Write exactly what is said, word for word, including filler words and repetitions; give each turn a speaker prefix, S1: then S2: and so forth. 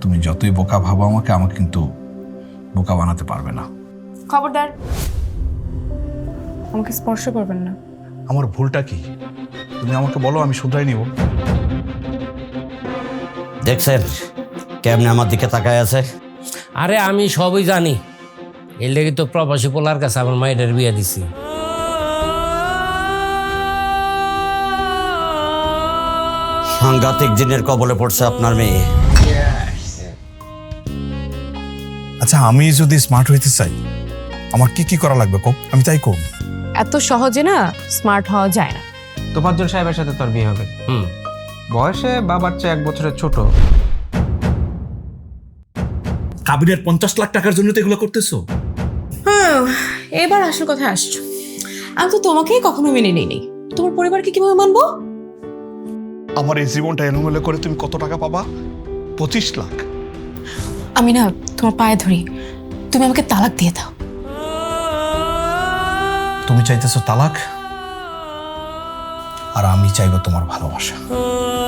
S1: তুমি যতই বোকা ভাবো আমাকে আমাকে কিন্তু বোকা বানাতে পারবে না।
S2: খবরদার আমাকে স্পর্শ করবেন না।
S1: আমার ভুলটা কি তুমি আমাকে বলো, আমি শুধরাই নিব।
S3: দেখছেন কেমনে আমার দিকে তাকায় আছে?
S4: আরে আমি সবই জানি, এর লেগে তো প্রবাসী পোলার কাছে আমার মায়ের বিয়ে দিছি।
S3: সাংঘাতিক জিনের কবলে পড়ছে আপনার মেয়ে।
S1: আচ্ছা আমি যদি স্মার্ট হইতে চাই আমার কি কি করা লাগবে কো, আমি তাই করব।
S2: এত সহজে না স্মার্ট হওয়া যায় না।
S5: তোফাজ্জল সাহেবের সাথে তোর বিয়ে হবে।
S4: হুম
S5: বয়সে বাবার চেয়ে এক বছরের ছোট।
S1: কাবিনের পঞ্চাশ লাখ টাকার জন্য তো এগুলো করতেছো?
S2: হ্যাঁ, এবার আসল কথায় আসছো। আমি তো তোমাকেই কখনো মেনে নেই, তোমার পরিবারকে কিভাবে মানবো?
S1: আমার এই জীবনটা এলোমেলো করে তুমি কত টাকা পাবা? পঁচিশ লাখ।
S2: আমি না তোমার পায়ে ধরি, তুমি আমাকে তালাক দিয়ে দাও।
S1: তুমি চাইতেছো তালাক আর আমি চাইবো তোমার ভালোবাসা।